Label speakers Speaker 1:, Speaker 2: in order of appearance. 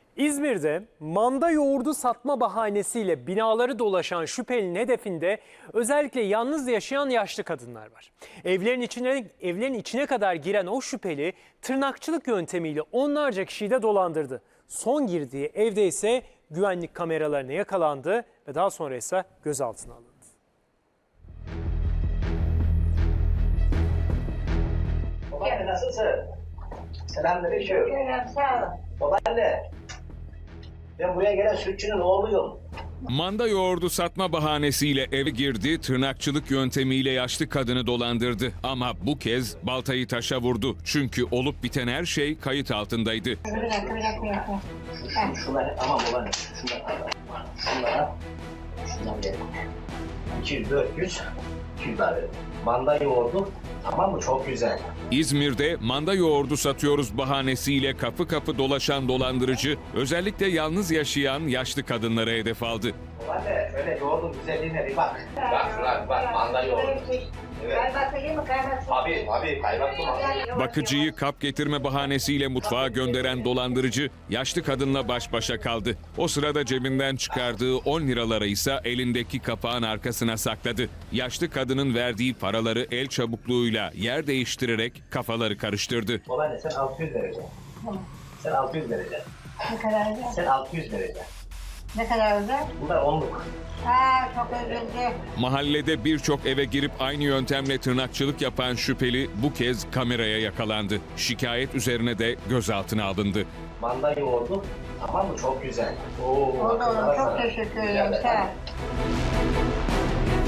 Speaker 1: İzmir'de manda yoğurdu satma bahanesiyle binaları dolaşan şüphelinin hedefinde özellikle yalnız yaşayan yaşlı kadınlar var. Evlerin içine kadar giren o şüpheli tırnakçılık yöntemiyle onlarca kişiyi de dolandırdı. Son girdiği evde ise güvenlik kameralarına yakalandı ve daha sonra ise gözaltına alındı.
Speaker 2: Babaanne nasılsın? Selamünaleyküm.
Speaker 3: Sağ ol.
Speaker 2: Babaanne, ben buraya gelen sütçünün oğluyum.
Speaker 4: Manda yoğurdu satma bahanesiyle eve girdi, tırnakçılık yöntemiyle yaşlı kadını dolandırdı. Ama bu kez baltayı taşa vurdu. Çünkü olup biten her şey kayıt altındaydı.
Speaker 3: Bir dakika.
Speaker 2: Şunları tamam babaanne, şundan verin. 200, 400, 200 daha verin. Manda yoğurdu, tamam mı? Çok güzel.
Speaker 4: İzmir'de manda yoğurdu satıyoruz bahanesiyle kapı kapı dolaşan dolandırıcı, özellikle yalnız yaşayan yaşlı kadınlara hedef aldı.
Speaker 2: Babaanne, şöyle yoğurdun güzelliğine bir bak. Bak şuna bak, manda yoğurdu. Evet.
Speaker 3: Kaymaklı mı kaymaksız?
Speaker 2: Tabii, kaymaklı mı?
Speaker 4: Bakıcıyı kap getirme bahanesiyle mutfağa gönderen dolandırıcı yaşlı kadınla baş başa kaldı. O sırada cebinden çıkardığı 10 liraları ise elindeki kapağın arkasına sakladı. Yaşlı kadının verdiği paraları el çabukluğuyla yer değiştirerek kafaları karıştırdı.
Speaker 2: Babaanne sen 600 vereceksin. Sen 600 vereceksin.
Speaker 3: Ne kadar özel?
Speaker 2: Sen 600 vereceksin.
Speaker 3: Ne kadar özel?
Speaker 2: Bunlar 10'luk.
Speaker 3: Çok üzüldü.
Speaker 4: Mahallede birçok eve girip aynı yöntemle tırnakçılık yapan şüpheli bu kez kameraya yakalandı. Şikayet üzerine de gözaltına alındı.
Speaker 2: Manda yoğurdu, tamam mı? Çok güzel. Oo,
Speaker 3: Oldu.
Speaker 2: akıllara
Speaker 3: Çok
Speaker 2: sana.
Speaker 3: teşekkür ederim. Sağ ol.